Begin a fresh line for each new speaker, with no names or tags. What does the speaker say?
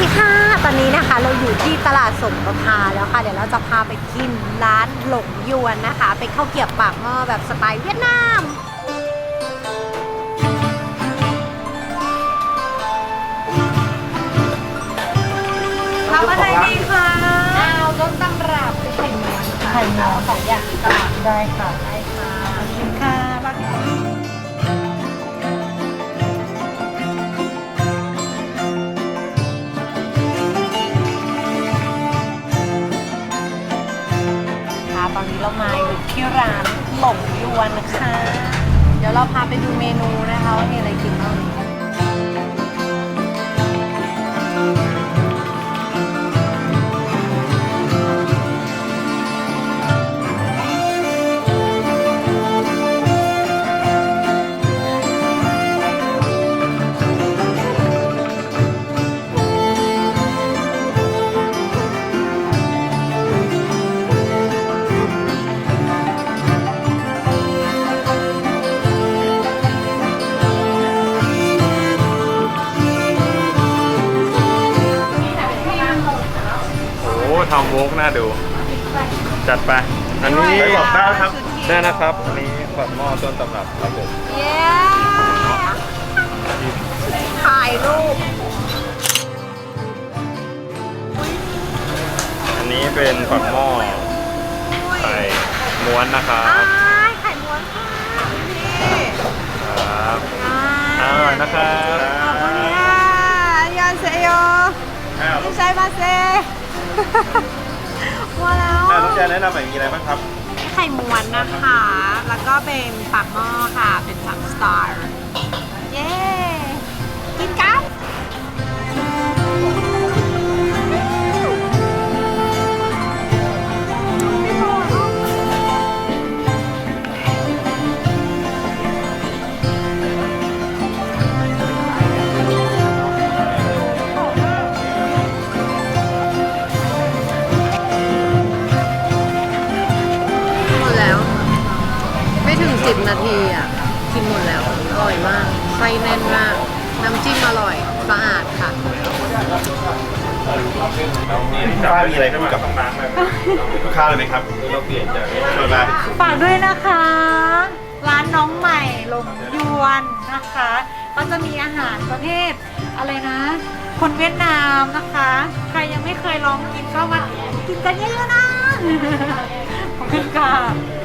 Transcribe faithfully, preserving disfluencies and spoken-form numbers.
ค่ะตอนนี้นะคะเราอยู่ที่ตลาดสมประภาแล้วค่ะเดี๋ยวเราจะพาไปกินร้านหลงยวนนะคะเป็นข้าวเกรี๊ยวปากหม้อแบบสไตล์เวียดนามทำอะไรดีคะเอาต้นตำรับไข่เนื้อไข่เนื้อสองอย่างตลาดได้ค่ะได้ค่ะชิมค่ะบักตอนนี้เรามาอยู่ที่ร้านหลงยวนนะคะเดี๋ยวเราพาไปดูเมนูนะคะว่ามีอะไรกินบ้าง
ทำโวกน่าดูจัดไปอันนี้บอกได้ครับได้นะครับอันนี้แบบหม้อต้นตำรับครับผม
เย้ถ่ายรูป
อันนี้เป็นฝักหม้อไข่ม้วนนะครับ
ไข่ม้วนค่ะนี่
ครับอร่อยนะครับ
ขอบคุณค่ะยอนเซโยไม่ใช่มาเซว่าแล้ว
น้องแจแนะนำหน่อยมีอะไรบ้างครับ
ไข่ม้วนนะคะ แล้วก็เป็นปากหม้อค่ะ เป็นสามสตาร์เย้กินกันสิบนาทีอ่ะกินหมดแล้วอร่อยมากไส้แน่นมากน้ำจิ้มอร่อยสะอาดค่ะ
ป้ามีอะไรพูดกับลูกค้าเลยไหมครับเราเปลี่ยนจากชวนมา
ฝากด้วยนะคะร้านน้องใหม่หลงยวนนะคะก็จะมีอาหารประเภทอะไรนะ คนเวียดนามนะคะใครยังไม่เคยลองกินก็มากินกันเยอะๆนะขอบคุณค่ะ